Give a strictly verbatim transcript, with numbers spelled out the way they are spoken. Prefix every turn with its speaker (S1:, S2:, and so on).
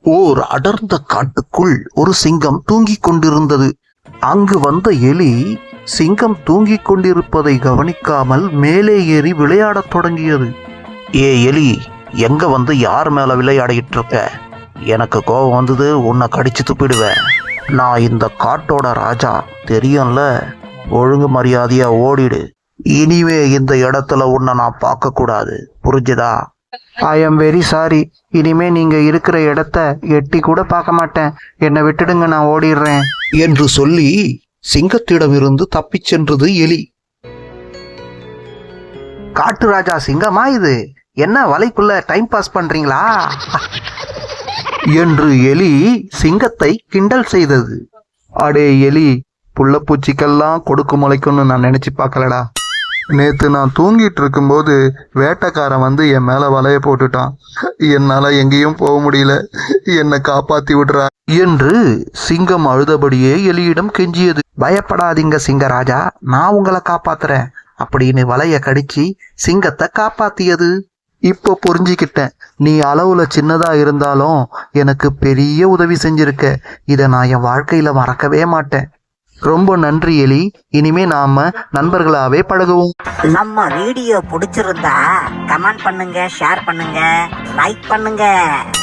S1: ஓர் அடர்ந்த காட்டுக்குள் ஒரு சிங்கம் தூங்கிக் கொண்டிருந்தது. அங்கு வந்த எலி சிங்கம் தூங்கிக் கொண்டிருப்பதை கவனிக்காமல் மேலே ஏறி விளையாடத் தொடங்கியது. ஏ எலி, எங்க வந்து யார் மேல விளையாடிட்டு இருக்க? எனக்கு கோபம் வந்தது, உன்னை கடிச்சு துப்பிடுவேன். நான் இந்த காட்டோட ராஜா, தெரியும்ல? ஒழுங்கு மரியாதையா ஓடிடு. இனிமே இந்த இடத்துல உன்னை நான் பார்க்க கூடாது, புரிஞ்சுதா? I am very sorry. இனிமே நீங்க இருக்கிற இடத்த எட்டி கூட பார்க்க மாட்டேன். என்னை விட்டுடுங்க, நான் ஓடிடுறேன் என்று சொல்லி சிங்கத்திடமிருந்து தப்பிச் சென்றது எலி. காட்டு ராஜா சிங்கமா இது? என்ன வலைக்குள்ள டைம் பாஸ் பண்றீங்களா என்று எலி சிங்கத்தை கிண்டல் செய்தது. அடே எலி, புள்ளப்பூச்சிக்கெல்லாம் கொடுக்கு முளைக்கும்னு நான் நினைச்சு பார்க்கலடா. நேத்து நான் தூங்கிட்டு இருக்கும்போது வேட்டைக்காரன் வந்து என் மேல வலைய போட்டுட்டான். என்னால எங்கேயும் போக முடியல, என்னை காப்பாத்தி விடுறா என்று சிங்கம் அழுதபடியே எலியிடம் கெஞ்சியது. பயப்படாதீங்க சிங்கராஜா, நான் உங்களை காப்பாத்துறேன் அப்படின்னு வலைய கடிச்சு சிங்கத்தை காப்பாத்தியது. இப்போ புரிஞ்சுக்கிட்டேன், நீ அளவுல சின்னதா இருந்தாலும் எனக்கு பெரிய உதவி செஞ்சிருக்க. இதை நான் என் வாழ்க்கையில மறக்கவே மாட்டேன். ரொம்ப நன்றி எலி. இனிமே நாம நண்பர்களாவே பழகுவோம்.
S2: நம்ம வீடியோ பிடிச்சிருந்தா கமெண்ட் பண்ணுங்க, ஷேர் பண்ணுங்க, லைக் பண்ணுங்க.